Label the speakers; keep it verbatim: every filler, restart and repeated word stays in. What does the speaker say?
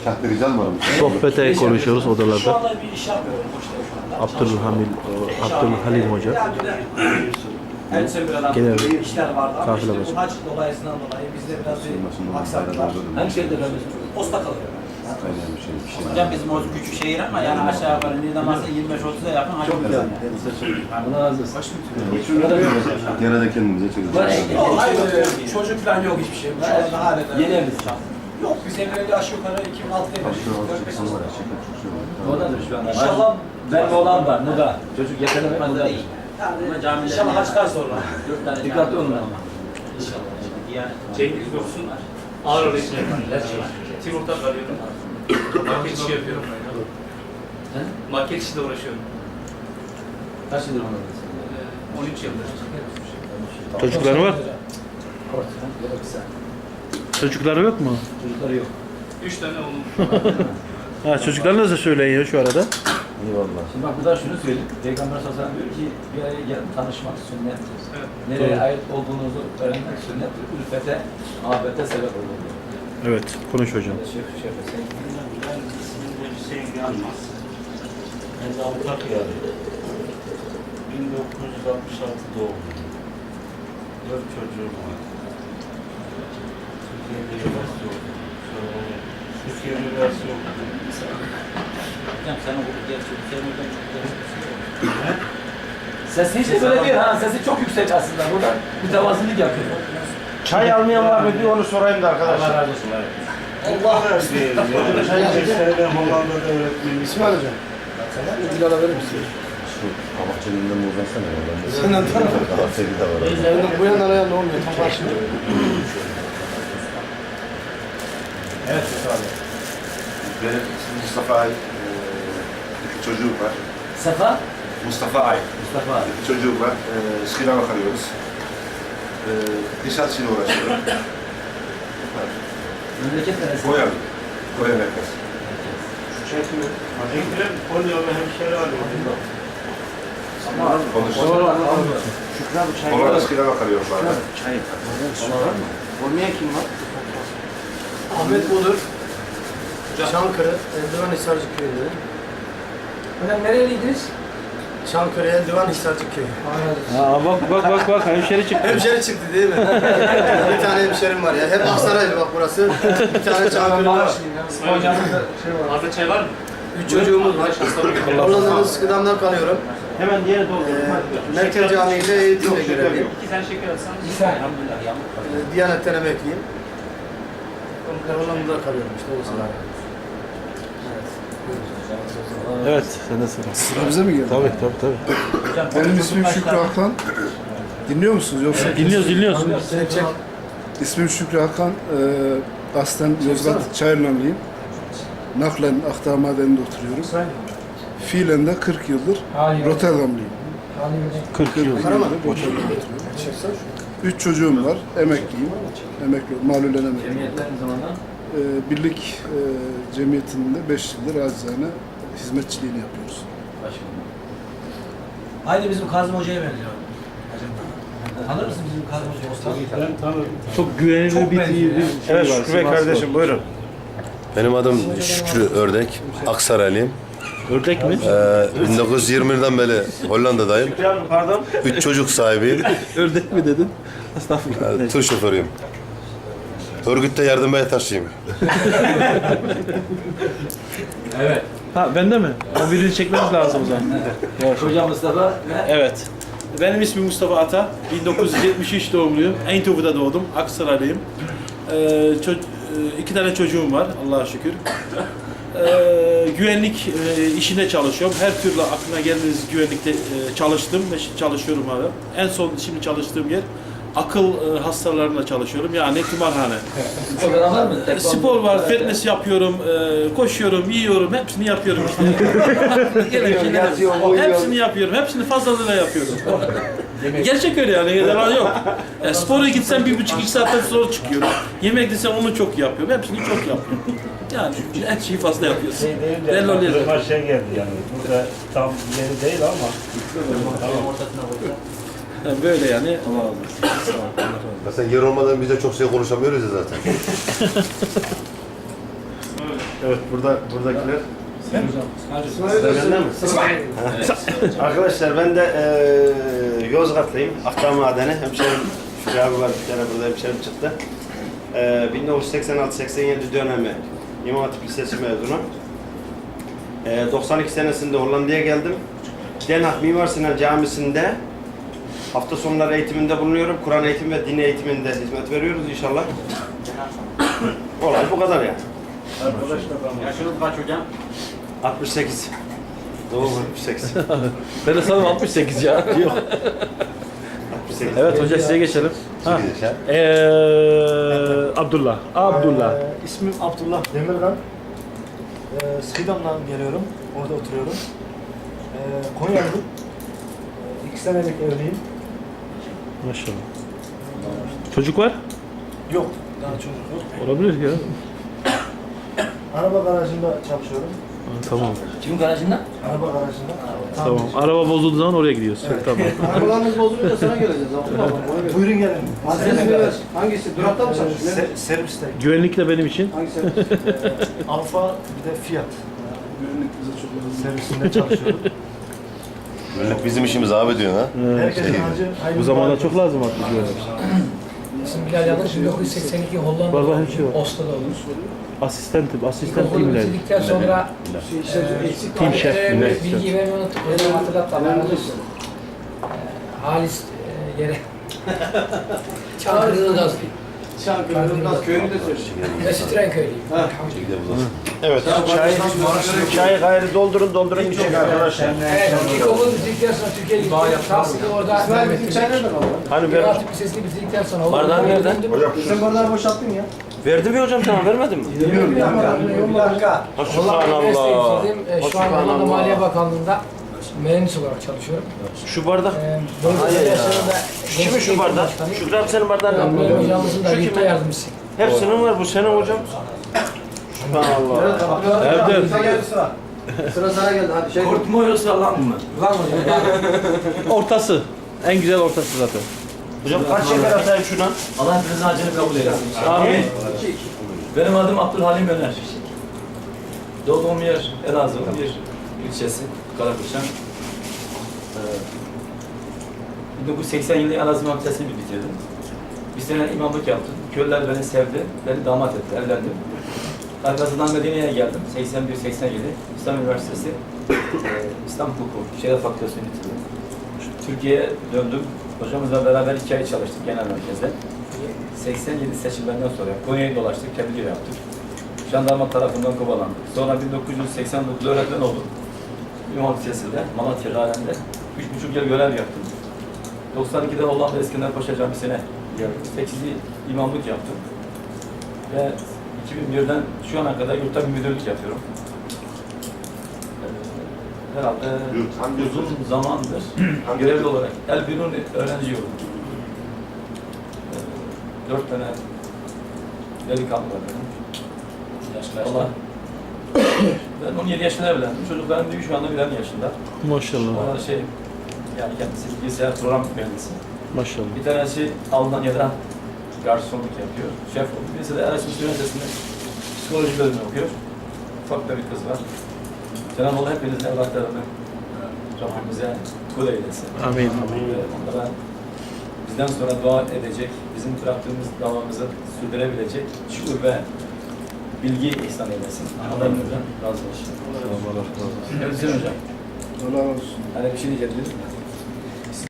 Speaker 1: Kahtericen var mı?
Speaker 2: Sohbete konuşuyoruz
Speaker 3: Şu
Speaker 2: odalarda.
Speaker 3: anda bir iş yapmıyorum. Boşta şu anda.
Speaker 2: Abdülhamil, Abdülhalim Hoca.
Speaker 3: Her seferden
Speaker 2: Genel
Speaker 3: işler vardı ama
Speaker 2: kafile
Speaker 3: işte
Speaker 2: başı.
Speaker 3: bu hac dolayısından dolayı bizde biraz bir aksaklık var.
Speaker 4: Hemşehriler biz
Speaker 3: Posta kalıyor.
Speaker 1: Aynen bir şey. Bir şey.
Speaker 4: hocam bizim o küçük şehir ama yani aşağı yukarı Niğdemas'a yirmi beş otuza yakın hacımız yani. Allah razı olsun.
Speaker 1: Gene de kendimize çekeceğiz.
Speaker 3: Yok, hayır, çocuk falan yok hiçbir şey. Şu anda hala
Speaker 4: Yeni evliyiz şu an.
Speaker 3: yok. Biz evleneli aşağı yukarı iki bin altıda evlendik.
Speaker 4: Oradadır şu an.
Speaker 3: İnşallah
Speaker 4: Benim oğlan var, Muda. Çocuk yetenek
Speaker 3: fazla
Speaker 4: Muda
Speaker 3: değil.
Speaker 4: Ama
Speaker 3: Yani
Speaker 4: camiler
Speaker 3: inşallah haçtan sonra.
Speaker 4: Dört tane dikkatli olun ama.
Speaker 3: İnşallah.
Speaker 4: Yani
Speaker 5: Cengiz Yoksun, ağır ağır işine Timur'da kalıyorum. Market işi yapıyorum. Market işiyle uğraşıyorum.
Speaker 4: kaç yıldır ona
Speaker 5: Ee, on üç yıldır.
Speaker 2: Çocukları var. Çocukları yok mu?
Speaker 4: Çocukları yok.
Speaker 5: Üç tane oğlum.
Speaker 2: Ha, çocuklarınız da söyleyin ya şu arada.
Speaker 1: Eyvallah.
Speaker 4: Şimdi bak burada şunu söyleyeyim. Peygamber sallallahu aleyhi ve sellem diyor ki bir araya gelip tanışmak sünnettir.
Speaker 5: Evet.
Speaker 4: Nereye ait olduğunuzu öğrenmek sünnettir. Ülfete, ahirete sebep olur.
Speaker 2: Evet, konuş hocam.
Speaker 4: Şef, şef, sen
Speaker 6: Ben ismimde Hüseyin Yanmaz. Ben de avukat yarıyım. bin dokuz yüz altmış altı doğumluyum. Dört çocuğum var. Türkiye'de üniversite okudum. Sonra Türkiye üniversite okudum.
Speaker 4: hocam sen o gerçi sen oradan çok da Sesi hiç de böyle değil ha. Sesi çok yüksek aslında. Burada mütevazılık yapıyor.
Speaker 7: Çay almayan var mı diye onu sorayım da arkadaşlar.
Speaker 4: Allah razı olsun.
Speaker 6: Allah değil. Yani beş sene Hollanda'da öğretmenim.
Speaker 7: İsmail hocam. Bir alabilir misin?
Speaker 1: Şu kabakçılığından mı uzansana ya? Ben de
Speaker 7: Senden tanıdım.
Speaker 1: daha sevgi de var.
Speaker 7: Bu yandan ayağında olmuyor. Tam karşımda.
Speaker 4: Evet Mustafa.
Speaker 1: Benim ismim Mustafa Ay. Ee, iki çocuğum var.
Speaker 4: Sefa?
Speaker 1: Mustafa Ay.
Speaker 4: Mustafa.
Speaker 1: İki çocuğum var. Ee, Şirin'e bakarıyoruz. Ee, diş açıyla uğraşıyorum.
Speaker 4: Memleket neresi?
Speaker 1: Koyan. Koyan herkes.
Speaker 6: Ekrem Polyalı hemşeri arıyor.
Speaker 1: Konuşuyor.
Speaker 7: Şükrü abi çay
Speaker 1: Onlara Şirin'e bakarıyorum bazen.
Speaker 7: Çay. Var mı? Olmayan kim var?
Speaker 3: Ahmet Budur.
Speaker 7: Çankırı, Eldivan Hisarcık köyünde.
Speaker 3: Hocam nereliydiniz?
Speaker 7: Çankırı, Eldivan Hisarcık köyü.
Speaker 2: Ha, bak bak bak bak hemşeri çıktı.
Speaker 7: Hemşeri çıktı değil mi? Bir tane hemşerim var ya. Hep Aksaraylı bak burası. Bir tane Çankırı var.
Speaker 5: Arda çay var mı?
Speaker 7: Üç çocuğumuz var. Hollanda'nın Sıkıdam'dan kalıyorum.
Speaker 2: Hemen diğeri doldur.
Speaker 7: Ee, Merkez Camii'de eğitimle görevliyim.
Speaker 5: İki tane şeker alsan.
Speaker 4: Elhamdülillah. Yağmur kalıyor.
Speaker 7: Ee, Diyanet'ten emekliyim. Hollanda'da kalıyorum işte. O sıra.
Speaker 2: Evet, sen de sıra.
Speaker 8: Sıra bize mi geldi?
Speaker 2: Tabii tabii tabii.
Speaker 4: Hocam,
Speaker 8: Benim
Speaker 4: çocuk
Speaker 8: ismim
Speaker 4: kaç
Speaker 8: Şükrü
Speaker 4: tane?
Speaker 8: Hakan. Dinliyor musunuz yoksa?
Speaker 2: Dinliyoruz dinliyoruz.
Speaker 7: Sen çek.
Speaker 8: İsmim Şükrü Hakan. Ee, aslen Yozgat Çayırlanlıyım. Naklen Akdağ Madeni'nde oturuyorum. Fiilen de kırk yıldır Rotterdamlıyım.
Speaker 2: kırk yıl.
Speaker 8: kırk yıldır Rotterdam'da oturuyorum. Üç çocuğum var. Emekliyim. Emekli, malulen emekliyim.
Speaker 4: Cemiyetler ne zamandan?
Speaker 8: Ee, birlik e, cemiyetinin de beş yıldır acizane hizmetçiliğini yapıyoruz.
Speaker 4: Başkanım.
Speaker 3: Aynı bizim Kazım Hoca'ya benziyor. Tanır mısın bizim Kazım Hoca'yı?
Speaker 6: Ben tanırım.
Speaker 2: Çok güvenilir
Speaker 3: Çok
Speaker 2: bir,
Speaker 3: benziyor
Speaker 2: bir
Speaker 3: ya.
Speaker 2: şey
Speaker 7: Evet
Speaker 2: var.
Speaker 7: Şükrü Bey
Speaker 2: Sivas var.
Speaker 7: kardeşim buyurun.
Speaker 1: Benim adım Şükrü Ördek. Aksaraylıyım.
Speaker 2: Ördek mi?
Speaker 1: Ee, bin dokuz yüz yirmi birden beri Hollanda'dayım.
Speaker 7: Pardon.
Speaker 1: Üç çocuk sahibiyim.
Speaker 2: Ördek mi dedin? Estağfurullah.
Speaker 1: Ee, Tır şoförüyüm. Örgütte yardım taşıyım.
Speaker 4: Evet.
Speaker 2: Ha bende mi? O birini çekmemiz lazım o zaman.
Speaker 4: Hocam Mustafa ve
Speaker 2: Evet. Benim ismim Mustafa Ata. bin dokuz yüz yetmiş üç doğumluyum. Eindhoven'da doğdum. Aksaraylıyım. Ee, ço- e, iki tane çocuğum var Allah'a şükür. Ee, güvenlik e, işinde çalışıyorum. Her türlü aklına geldiğiniz güvenlikte e, çalıştım ve şi- çalışıyorum hala. En son şimdi çalıştığım yer akıl e, hastalarında çalışıyorum. Yani tımarhane.
Speaker 4: spor var mı?
Speaker 2: E, Spor var, fitness yapıyorum, e, koşuyorum, yiyorum, hepsini yapıyorum işte. Gelen şeyler- hepsini yapıyorum, hepsini fazlalığıyla yapıyorum. Gerçek öyle yani, yalan yok. E, spora gitsem bir buçuk iki saatten sonra çıkıyorum. Yemek desem onu çok yapıyorum, hepsini çok yapıyorum. Yani her şeyi fazla yapıyorsun.
Speaker 6: Şey değil
Speaker 2: Belli
Speaker 6: de
Speaker 2: oluyor.
Speaker 6: aklıma şey geldi yani. Burada tam yeri değil ama.
Speaker 4: Tamam. Ortasına koyacağım.
Speaker 2: Yani böyle yani. Allah Allah.
Speaker 1: Mesela yer olmadan biz de çok şey konuşamıyoruz ya zaten.
Speaker 5: Öyle.
Speaker 9: Evet, burada buradakiler.
Speaker 6: Arkadaşlar ben de e, Yozgatlıyım. Akdağ Madeni. Hemşerim Şükrü abi var bir tane burada hemşerim çıktı. E, bin dokuz yüz seksen altı seksen yedi dönemi İmam Hatip Lisesi mezunu. E, doksan iki senesinde Hollanda'ya geldim. Den Haag Mimar Sinan Camisi'nde hafta sonları eğitiminde bulunuyorum. Kur'an eğitimi ve din eğitiminde hizmet veriyoruz inşallah. Olay bu kadar yani.
Speaker 4: Yaşınız kaç hocam?
Speaker 6: altmış sekiz. Doğum altmış sekiz.
Speaker 4: Ben de sanırım altmış sekiz ya.
Speaker 6: altmış sekiz.
Speaker 4: Evet hoca size geçelim. Ha. Ee, Abdullah. Abdullah.
Speaker 10: Ee, ismim Abdullah Demirgan. Ee, Skidam'dan geliyorum. Orada oturuyorum. Ee, Konyalıyım. Ee, iki senelik evliyim.
Speaker 4: Maşallah. Çocuk var?
Speaker 10: Yok. Daha çocuk yok.
Speaker 4: Olabilir ya.
Speaker 10: Araba garajında çalışıyorum.
Speaker 4: Ha, tamam.
Speaker 3: Kimin garajında?
Speaker 10: Araba garajında.
Speaker 4: Tamam. Araba bozulduğu zaman oraya gidiyoruz. Tamam.
Speaker 7: Arabalarımız bozuluyor da sana geleceğiz. Abdullah.
Speaker 10: Buyurun gelin.
Speaker 7: Adresini ver. Hangisi? Durakta mı çalışıyorsun?
Speaker 10: Se- serviste.
Speaker 4: Güvenlik de benim için.
Speaker 7: Hangi servis?
Speaker 10: Alfa bir de Fiat.
Speaker 8: Güvenlik bize çok lazım.
Speaker 10: Servisinde çalışıyorum.
Speaker 9: Bizim işimiz abi diyor ha.
Speaker 10: Herkesin harcı aynı.
Speaker 4: Bu zamanda çok lazım artık güvenlik.
Speaker 11: İsmim Bilal Yalçın, bin dokuz yüz seksen iki Hollanda'da
Speaker 4: Var, var, her şey var.
Speaker 11: Oslo'da olmuş.
Speaker 4: Asistantim, asistan
Speaker 11: İlkokulu
Speaker 4: timler.
Speaker 11: bitirdikten sonra
Speaker 4: Tim şef,
Speaker 11: Ee,
Speaker 4: Bilal.
Speaker 11: bilgiyi vermeyi unuttuk. Hocam hatırlat da Allah razı olsun. Ee, Halis e, yere Çankırı Ilgaz
Speaker 7: Çankırı, Ilgaz köyünü de söyle.
Speaker 11: Mesut Renköy'lüyüm.
Speaker 6: Evet. Çay, çay gayrı doldurun doldurun içecek arkadaşlar.
Speaker 11: Evet, ilkokulu bitirdikten sonra Türkiye'ye gittim. Tahsili orada
Speaker 7: İsmail
Speaker 11: devam
Speaker 7: bizim çay
Speaker 11: ettim.
Speaker 7: nereden aldın?
Speaker 6: Hani
Speaker 11: İmam
Speaker 6: ver.
Speaker 11: Hatip Lisesi'ni bitirdikten sonra Hollanda'ya
Speaker 4: Bardağın nereden?
Speaker 11: döndüm.
Speaker 7: Sen bardağı boşalttın ya.
Speaker 6: Verdim ya hocam sana vermedin mi?
Speaker 7: Bilmiyorum ya. Bir dakika.
Speaker 11: Hollanda Üniversitesi'yi
Speaker 6: Subhanallah.
Speaker 11: bitirdim. Ee, Şu an Hollanda Maliye Bakanlığı'nda mühendis olarak çalışıyorum.
Speaker 6: Şu bardak.
Speaker 11: Ee, Bölge Federasyonunda
Speaker 6: Kimin şu bardak? Şükrü abi senin bardağın
Speaker 11: Benim
Speaker 6: ne?
Speaker 11: hocamızın da
Speaker 6: Şu
Speaker 11: yurtta
Speaker 6: kimin?
Speaker 11: yardımcısı.
Speaker 6: Hepsinin var bu senin hocam. Subhanallah.
Speaker 4: Erdem.
Speaker 7: Sıra geldi sıra. Sıra sana geldi hadi şey.
Speaker 4: Kurt mu yoksa lan mı?
Speaker 11: Lan hocam.
Speaker 4: Ortası. En güzel ortası zaten.
Speaker 6: Hocam kaç şeker atayım şuna?
Speaker 4: Allah hepinizin acını kabul eylesin. Amin. Benim adım Abdülhalim Öner. Doğduğum yer Elazığ'ın bir ilçesi, Karapuşan. Ee, bin dokuz yüz seksen yılında Elazığ Üniversitesi'ni bitirdim. Bir sene imamlık yaptım. Köylüler beni sevdi, beni damat etti, evlendim. Arkasından Medine'ye geldim, seksen bir seksen yedi. İslam Üniversitesi, e, İslam Hukuku, Şeref Fakültesi'ni bitirdim. Türkiye'ye döndüm. Hocamızla beraber iki ay çalıştık genel merkezde. seksen yedi seçimlerinden sonra Konya'yı dolaştık, tebliğ yaptık. Jandarma tarafından kovalandık. Sonra bin dokuz yüz seksen dokuz öğretmen oldum. İmam Lisesi'nde, Malatya Galen'de. Üç buçuk yıl görev yaptım. doksan ikide Hollanda Eskender Paşa Camisi'ne geldim. sekizi imamlık yaptım. Ve iki bin birden şu ana kadar yurtta bir müdürlük yapıyorum. Ee, Herhalde uzun zamandır görevli olarak Elbirun öğrenci yurdu. Ee, Dört tane delikanlı var benim. Allah. Ben on yedi yaşında evlendim. Çocuklarım büyük şu anda birer yaşında.
Speaker 2: Maşallah.
Speaker 4: Onlar şey, yani kendisi bilgisayar program mühendisi.
Speaker 2: Maşallah.
Speaker 4: Bir tanesi Almanya'da garsonluk yapıyor, şef oldu. Birisi de Erasmus Üniversitesi'nde psikoloji bölümü okuyor. Ufak da bir kız var. Cenab-ı Allah hepinizin evlatlarını Rabbimize kul eylesin.
Speaker 2: Amin.
Speaker 4: Ve onlara bizden sonra dua edecek, bizim bıraktığımız davamızı sürdürebilecek şükür ve bilgi ihsan eylesin. Allah'ın razı olsun.
Speaker 2: Allah razı olsun.
Speaker 4: Evet Hüseyin Hocam.
Speaker 8: Allah razı olsun.
Speaker 4: Hani bir şey diyeceğim değil mi?